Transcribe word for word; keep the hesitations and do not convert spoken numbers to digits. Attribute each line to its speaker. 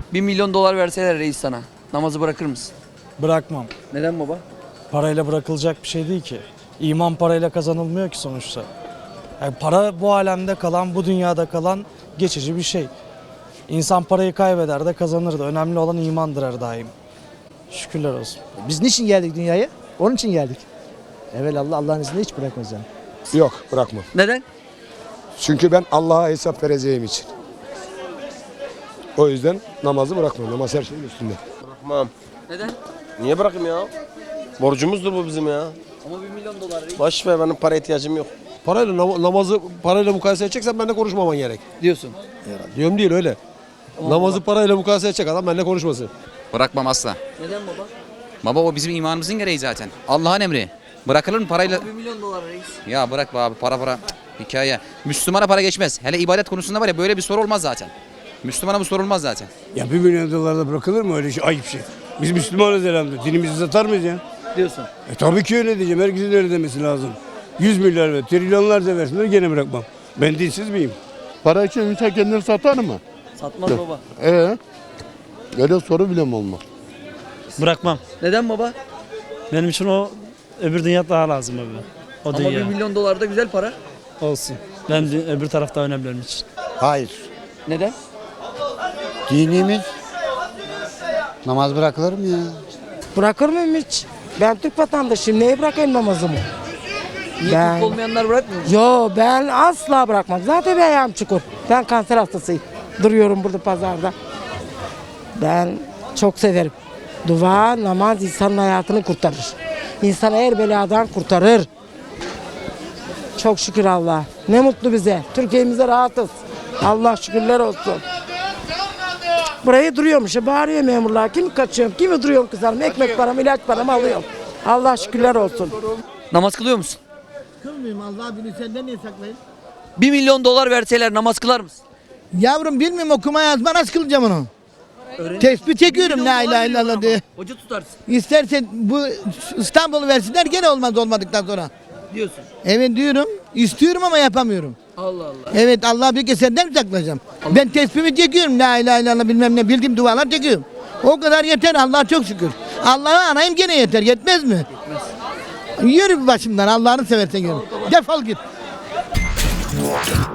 Speaker 1: Bir milyon dolar verseler reis sana, namazı bırakır mısın?
Speaker 2: Bırakmam.
Speaker 1: Neden baba?
Speaker 2: Parayla bırakılacak bir şey değil ki. İman parayla kazanılmıyor ki sonuçta. Yani para bu alemde kalan, bu dünyada kalan geçici bir şey. İnsan parayı kaybeder de kazanır da. Önemli olan imandır her daim. Şükürler olsun.
Speaker 3: Biz niçin geldik dünyaya? Onun için geldik. Evelallah Allah'ın izniyle hiç bırakmaz yani.
Speaker 4: Yok, bırakmam.
Speaker 1: Neden?
Speaker 4: Çünkü ben Allah'a hesap vereceğim için. O yüzden namazı bırakmam. Namaz her şeyin üstünde.
Speaker 5: Bırakmam.
Speaker 1: Neden?
Speaker 5: Niye bırakayım ya? Borcumuzdur bu bizim ya.
Speaker 1: Ama bir milyon dolar reis
Speaker 5: Boş ver, benim para ihtiyacım yok.
Speaker 6: Parayla nam- namazı parayla mukayese edeceksen benimle konuşmaman gerek.
Speaker 1: diyorsun.
Speaker 6: Diyorum değil öyle.
Speaker 1: Tamam
Speaker 6: namazı
Speaker 1: baba.
Speaker 6: parayla mukayese edecek adam benimle konuşmasın.
Speaker 7: Bırakmam asla.
Speaker 1: Neden baba?
Speaker 7: Baba o bizim imanımızın gereği zaten. Allah'ın emri. Bırakılır mı parayla?
Speaker 1: Ama bir milyon dolar reis.
Speaker 7: Ya bırak be abi, para para Cık, hikaye. Müslümana para geçmez. Hele ibadet konusunda var ya, böyle bir soru olmaz zaten. Müslümana bu sorulmaz zaten.
Speaker 8: Ya bir milyon dolarda bırakılır mı öyle şey? Ayıp şey. Biz Müslümanız elhamdülillah. Dinimizi satar mıyız ya?
Speaker 1: Diyorsun.
Speaker 8: E tabii ki öyle diyeceğim. Herkesin öyle demesi lazım. Yüz milyar ve trilyonlarca versinler gene bırakmam. Ben dinsiz miyim?
Speaker 9: Para için insan kendini satar mı?
Speaker 1: Satmaz baba.
Speaker 9: Ee, öyle soru bile mi olmaz?
Speaker 2: Bırakmam.
Speaker 1: Neden baba?
Speaker 2: Benim için o öbür dünya daha lazım abi. O
Speaker 1: Ama bir milyon dolar da güzel para.
Speaker 2: olsun. Ben öbür tarafta önemli benim için.
Speaker 10: Hayır.
Speaker 1: Neden?
Speaker 10: Dinimiz namaz bırakılır mı ya?
Speaker 11: Bırakır mıyım hiç? Ben Türk vatandaşıyım. Neye bırakayım namazımı?
Speaker 1: Niye
Speaker 11: Ben-
Speaker 1: Türk olmayanlar bırakmıyor mu?
Speaker 11: Yo ben asla bırakmam. Zaten bir ayağım çukur. Ben kanser hastasıyım. Duruyorum burada pazarda. Ben çok severim. Dua, namaz insanın hayatını kurtarır. İnsanı her beladan kurtarır. Çok şükür Allah. Ne mutlu bize. Türkiye'mize rahatız. Allah şükürler olsun. Buraya duruyormuş. Bağırıyor memurlar. Kimi kaçıyorum, kimi duruyorum kızarım. Ekmek param, ilaç paramı alıyorum. Allah şükürler olsun.
Speaker 1: Namaz kılıyor musun?
Speaker 3: Kılmıyorum Allah bilir senden niye saklayın?
Speaker 1: Bir milyon dolar verseler namaz kılar mısın?
Speaker 3: Yavrum bilmiyorum okuma yazma nasıl kılacağım onu? Tespih çekiyorum la ilahe illallah diye.
Speaker 1: Hoca tutarsın
Speaker 3: İstersen bu İstanbul'u versinler gene olmaz olmadıktan sonra.
Speaker 1: diyorsun.
Speaker 3: Evet diyorum. İstiyorum ama yapamıyorum.
Speaker 1: Allah Allah.
Speaker 3: Evet Allah bir kez senden mi saklayacağım? Ben tesbihimi çekiyorum la ilahe illallah bilmem ne bildiğim dualar çekiyorum. O kadar yeter Allah çok şükür. Allah'ı anayım gene yeter yetmez mi? Yetmez. Yürü başımdan Allah'ını seversen yürü. Defol git.